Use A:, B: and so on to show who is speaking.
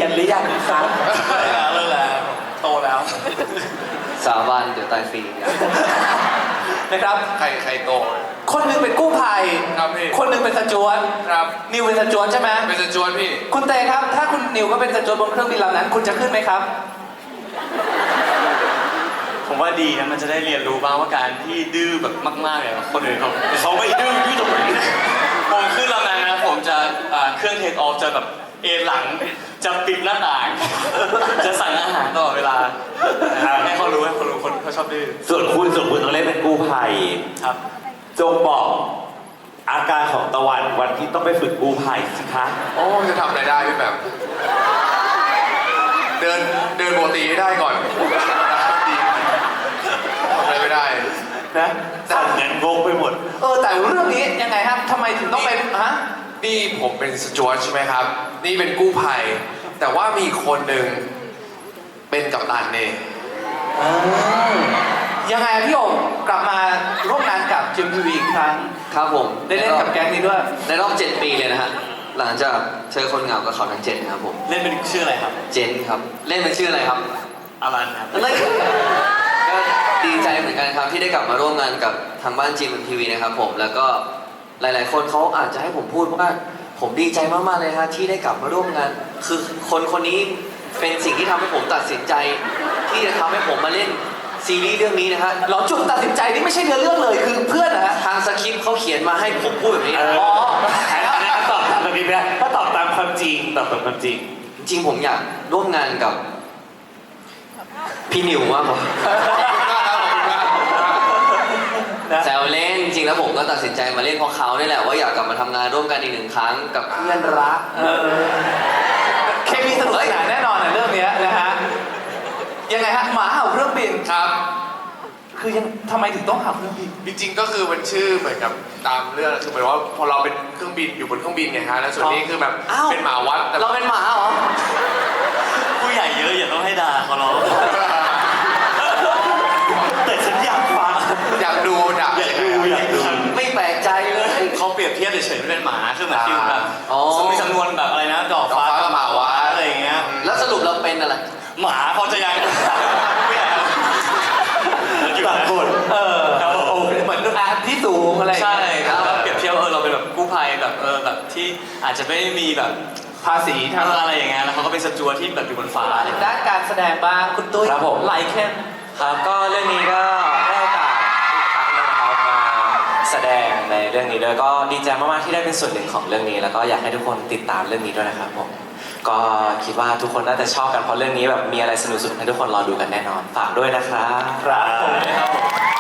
A: ยนหรือยังครับ
B: เลิกแล้วโตแล้ว
C: สาบานเดี๋ยวตายฟรี
A: นะครับ
B: ใครโต
A: คนหนึงเป็นกู้ภัย
B: ครับพี่
A: คนหนึงเป็นสจวต
B: ครับ
A: นิวเป็นสจวตใช่ไหม
B: เป็นสจวนพี่
A: คุณเตครับ ถ้าคุณนิวก็เป็นสจวตบนเครื่องบินลำนั้น คุณจะขึ้นไหมครับ
D: ผมว่าดีนะมันจะได้เรียนรู้บ้างว่าการที่ดื้อแบบมากๆเนี่ยคนอื่นเขาไม่ดื้อตรงไหนผมขึ้นลำนั้นนะผมจะเครื่องเทคออฟจะแบบเอนหลังจะปิดหน้าต่าง จะสั่งอาหารตลอดเวลาให้เขารู้คนเขาชอบดื้อ
A: ส่วนคุณต้องเล่นเป็นกู้ภัย
D: ครับ
A: จงบอกอาการของตะวันวันที่ต้องไปฝึกกู้ภัยสิคะ
B: โอ้จะทำอะไรได้พี่แบบ เดินปกติให้ได้ก่อนดีทำอะไรไม่ได้
A: นะสั่งเงินงงไปหมด แต่เรื่องนี้ยังไงครับทำไมถึงต้องไปฮะ
B: นี่ผมเป็นสจวตใช่ไหมครับ นี่เป็นกู้ภัย แต่ว่ามีคนหนึ่งเป็นกัปตันเอง
A: ยังไงพี่โอ๋กลับมาร่วมงานกับจิมทีวีอีกครั้ง
C: ครับผม
A: ได้เล่นกับแก๊งนี้ด้วย
C: ในรอบ 7 ปีเลยนะฮะหลังจากเจอคนเหงากับเขาทั้ง7ครับผม
D: เล่นเป็นชื่ออะไรครับ
C: เจนครับเล่นเป็นชื่ออะไรครับ
D: อารันครับ
C: อะไรก็ดีใจเหมือนกันครับที่ได้กลับมาร่วมงานกับทางบ้านจีมทีวีนะครับผมแล้วก็หลาย ๆ คนเขาอาจจะให้ผมพูดว่าผมดีใจมาก ๆ เลยฮะที่ได้กลับมาร่วมงาน คือคนนี้เป็นสิ่งที่ทำให้ผมตัดสินใจ ที่จะทำให้ผมมาเล่นซีรีส์เรื่องนี้นะฮะ
A: เราจุดตัดสินใจนี่ไม่ใช่เนื้อเรื่องเลยคือเพื่อนนะฮะ
C: ทางสคริปต์เขาเขียนมาให้ผมพูดแบบนี้นะ
A: อ๋อ
E: ตอบตามแบบนี้ไม่ได้ถ้าตอบตามความจริงตอบตามความจริง
C: จริงๆผมอยากร่วมงานกับพี่นิวมากกว่า แซวเล่นจริงๆแล้วผมก็ตัดสินใจมาเล่นเพราะเขานี่แหละว่าอยากกลับมาทำงานร่วมกันอีกหนึ่งครั้งกับเพื่อนรัก
A: เคมีสนุกสนานแน่นอนในเรื่องนี้นะฮะยังไงฮะหมาเห่าเครื่องบิน
B: ครับ
A: คือยังทำไมถึงต้องเห่าเครื่องบิน
B: จริงๆก็คือมันชื่อเหมือนกับตามเรื่องคือหมายว่าพอเราเป็นเครื่องบินอยู่บนเครื่องบินไงฮะแล้วส่วนนี้คือแบบ
C: อ้าว
B: เป็นหมาวัดแต่
C: เราเป็นหมาเหรอ
D: ผู้ใหญ่เยอะอย่าต้องให้ด่าเขาหรอก
E: แต่ฉันอยากฟัง
B: อยากดูดับ
E: อยากดู
C: ไม่แปลกใจเลย
D: เขาเปรียบเทียบเฉยๆไม่เป็นหมาคือเหมือนฟิลแบบ
C: อ๋อ
D: มีจำนวนแบบอะไรนะดอกฟ้ากับหมาวัดอะไรอย่างเงี้ย
C: แล้วสรุปเราเป็นอะไร
D: หมาเขาจะยังไม่อยากอยู่
E: ตัด
D: นะ
E: บท
D: ครับผม
A: เหมือนที่สูงอะไรอย่าง
D: ใช่
A: เงี้ย
D: ครับแล้วเปรียบเทียบว่าเราเป็นแบบกู้ภัยแบบแบบที่อาจจะไม่มีแบบ
A: ภาษีทาง
D: อะไรอย่างเงี้ยแล้วเขาก็เป็นสจวตที่แบบอยู่บนฟ้าอะไรอย่างเงี้ย
A: ด้านการแสดงบ้างคุณตุ้ย
E: ครับผม
A: ไลเคน
E: ครับก็เรื่องนี้ก็ได้โอกาสอีกครั้งหนึงนะครับมาแสดงในเรื่องนี้ด้วยก็ดีใจมากๆที่ได้เป็นส่วนหนึ่งของเรื่องนี้ แล้วก็อยากให้ทุกคนติดตามเรื่องนี้ด้วยนะครับผมก็คิดว่าทุกคนน่าจะชอบกันเพราะเรื่องนี้แบบมีอะไรสนุกๆให้ทุกคนรอดูกันแน่นอนฝากด้วยนะครับ
A: ครับผม